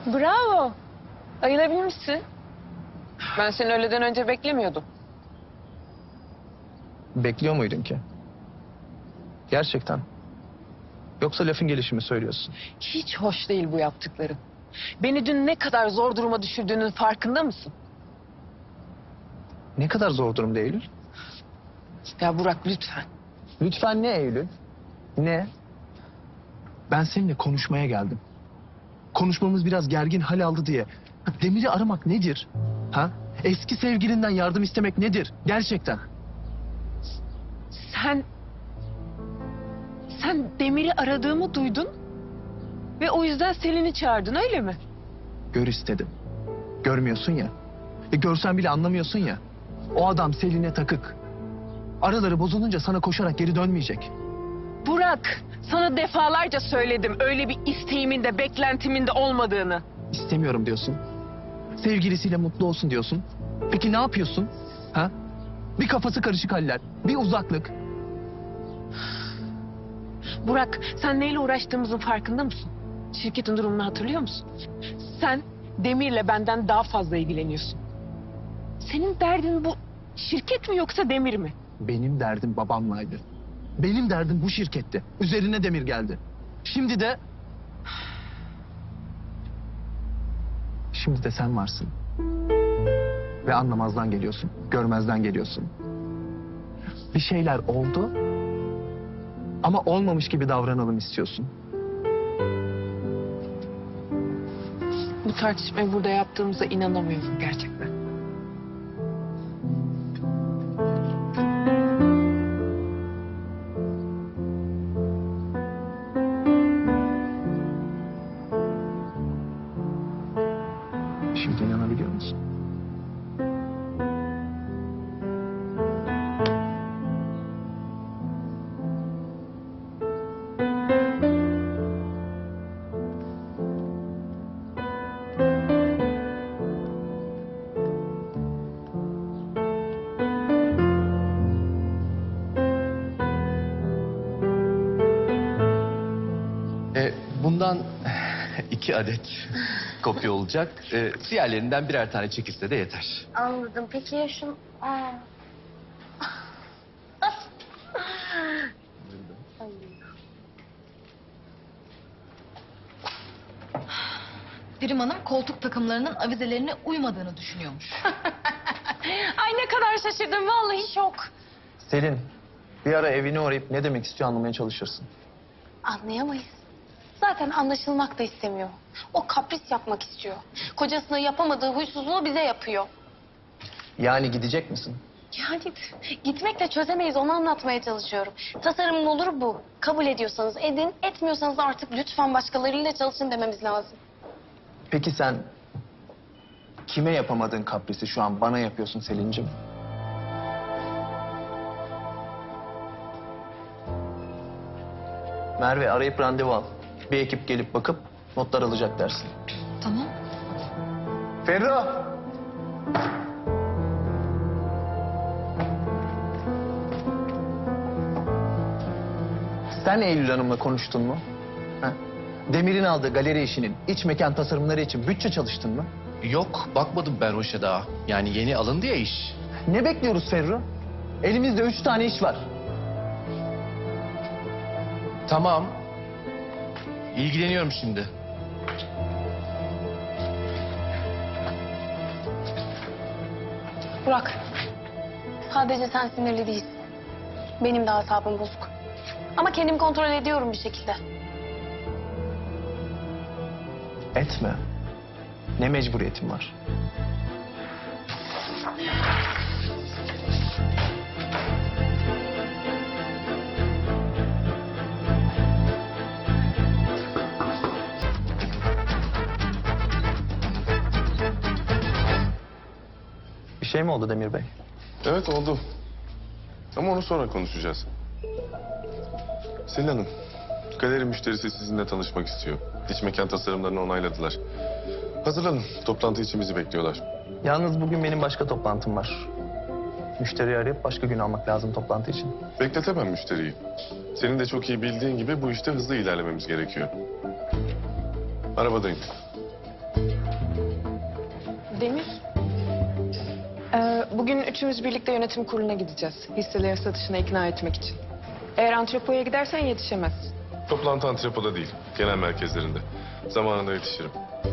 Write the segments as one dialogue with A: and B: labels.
A: Bravo. Ayılabilmişsin. Ben seni öğleden önce beklemiyordum.
B: Bekliyor muydun ki? Gerçekten. Yoksa lafın gelişi mi söylüyorsun?
A: Hiç hoş değil bu yaptıkların. Beni dün ne kadar zor duruma düşürdüğünün farkında mısın?
B: Ne kadar zor durumda Eylül?
A: Ya Burak lütfen.
B: Lütfen ne Eylül? Ne? Ben seninle konuşmaya geldim. Konuşmamız biraz gergin hal aldı diye. Demir'i aramak nedir? Ha? Eski sevgilinden yardım istemek nedir? Gerçekten.
A: Sen Demir'i aradığımı duydun ve o yüzden Selin'i çağırdın öyle mi?
B: Gör istedim. Görmüyorsun ya. Görsen bile anlamıyorsun ya. O adam Selin'e takık. Araları bozulunca sana koşarak geri dönmeyecek.
A: Burak, sana defalarca söyledim öyle bir isteğimin de beklentimin de olmadığını.
B: İstemiyorum diyorsun. Sevgilisiyle mutlu olsun diyorsun. Peki ne yapıyorsun? Ha? Bir kafası karışık haller, bir uzaklık.
A: Burak, sen neyle uğraştığımızın farkında mısın? Şirketin durumunu hatırlıyor musun? Sen Demir'le benden daha fazla ilgileniyorsun. Senin derdin bu şirket mi yoksa Demir mi?
B: Benim derdim babamlaydı. Benim derdim bu şirketti. Üzerine Demir geldi. Şimdi de... Şimdi de sen varsın. Ve anlamazdan geliyorsun. Görmezden geliyorsun. Bir şeyler oldu. Ama olmamış gibi davranalım istiyorsun.
A: Bu tartışmayı burada yaptığımıza inanamıyorum gerçekten.
B: Şimdi inanabiliyor musun?
C: Bundan 2 adet kopya olacak. Diğerlerinden birer tane çekilse de yeter.
D: Anladım. Peki ya şu... Aa.
E: Dirim Hanım koltuk takımlarının avizelerine uymadığını düşünüyormuş.
A: Ay ne kadar şaşırdım vallahi şok.
B: Selin, bir ara evini uğrayıp ne demek istiyor anlamaya çalışırsın.
D: Anlayamayız. Zaten anlaşılmak da istemiyor. O kapris yapmak istiyor. Kocasına yapamadığı huysuzluğu bize yapıyor.
B: Yani gidecek misin?
D: Yani gitmekle çözemeyiz, onu anlatmaya çalışıyorum. Tasarımın olur bu. Kabul ediyorsanız edin, etmiyorsanız artık lütfen başkalarıyla çalışın dememiz lazım.
B: Peki sen kime yapamadığın kaprisi şu an bana yapıyorsun Selin'cim? Merve arayıp randevu al. Bir ekip gelip bakıp notlar alacak dersin.
E: Tamam.
B: Ferro! Sen Eylül Hanım'la konuştun mu? Ha? Demir'in aldığı galeri işinin iç mekan tasarımları için bütçe çalıştın mı?
C: Yok, bakmadım ben o işe daha. Yani yeni alındı ya iş.
B: Ne bekliyoruz Ferro? Elimizde 3 tane iş var.
C: Tamam. İlgileniyorum şimdi.
D: Burak, sadece sen sinirli değilsin. Benim de asabım bozuk. Ama kendimi kontrol ediyorum bir şekilde.
B: Etme. Ne mecburiyetin var? Bir şey mi oldu Demir Bey?
F: Evet oldu. Ama onu sonra konuşacağız. Selin Hanım, galeri müşterisi sizinle tanışmak istiyor. İç mekan tasarımlarını onayladılar. Hazırlanın, toplantı için bizi bekliyorlar.
B: Yalnız bugün benim başka toplantım var. Müşteriyi arayıp başka gün almak lazım toplantı için.
F: Bekletemem müşteriyi. Senin de çok iyi bildiğin gibi bu işte hızlı ilerlememiz gerekiyor. Arabadayım.
A: Demir. Bugün üçümüz birlikte yönetim kuruluna gideceğiz. Hisseleri satışına ikna etmek için. Eğer antrepoya gidersen yetişemezsin.
F: Toplantı antrepoda değil, genel merkezlerinde. Zamanında yetişirim.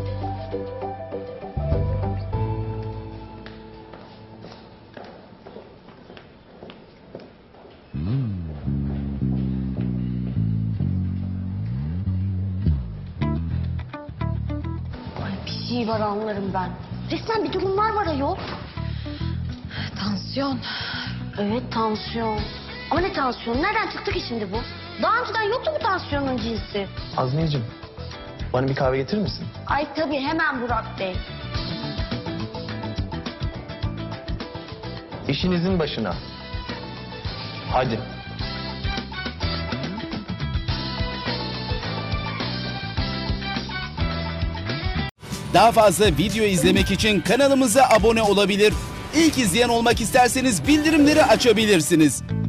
D: Ay bir şey var anlarım ben. Resmen bir durumlar var ayol.
E: Tansiyon.
D: Evet tansiyon. Ama ne tansiyon? Nereden çıktı ki şimdi bu? Daha önceden yoktu bu tansiyonun cinsi.
B: Azmiyeciğim, bana bir kahve getirir misin?
D: Ay tabii hemen Burak Bey.
B: İşinizin başına. Hadi.
G: Daha fazla video izlemek için kanalımıza abone olabilir. İlk izleyen olmak isterseniz bildirimleri açabilirsiniz.